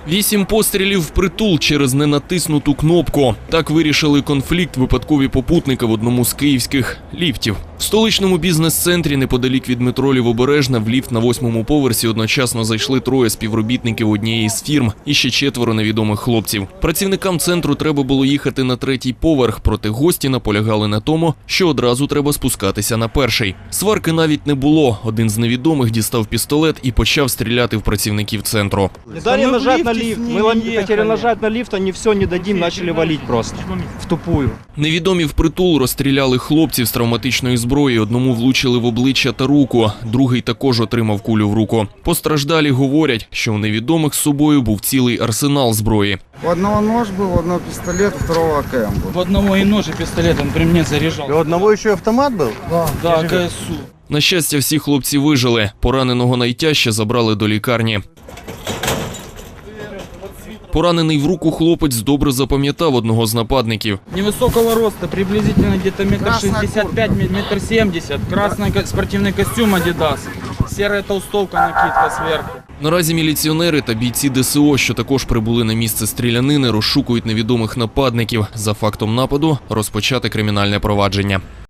8 пострілів впритул через ненатиснуту кнопку. Так вирішили конфлікт випадкові попутники в одному з київських ліфтів. В столичному бізнес-центрі неподалік від метро Лівобережна в ліфт на 8-му поверсі одночасно зайшли 3 співробітників однієї з фірм і ще 4 невідомих хлопців. Працівникам центру треба було їхати на 3-й поверх, проте гості наполягали на тому, що одразу треба спускатися на 1-й. Сварки навіть не було. Один з невідомих дістав пістолет і почав стріляти в працівників центру. Не дали нажать на лифт. Мы хотели нажать на лифт, они все не дадим, начали валить просто. В тупую. Невідомі впритул розстріляли хлопців з травматичної зброї. Одному влучили в обличчя та руку, другий також отримав кулю в руку. Постраждалі говорять, що у невідомих з собою був цілий арсенал зброї. У одного нож был, у одного пистолет, у второго АКМ был. У одного и нож, и пистолет, он при мне заряжал. У одного еще автомат был? Да, КСУ. На щастя, всі хлопці вижили. Пораненого найтяжче забрали до лікарні. Поранений в руку хлопець добре запам'ятав одного з нападників. Невысокого роста, приблизительно где-то метр 65, метр 70. Красный спортивный костюм Adidas. Серая толстовка, накидка сверху. Наразі міліціонери та бійці ДСО, що також прибули на місце стрілянини, розшукують невідомих нападників. За фактом нападу розпочати кримінальне провадження.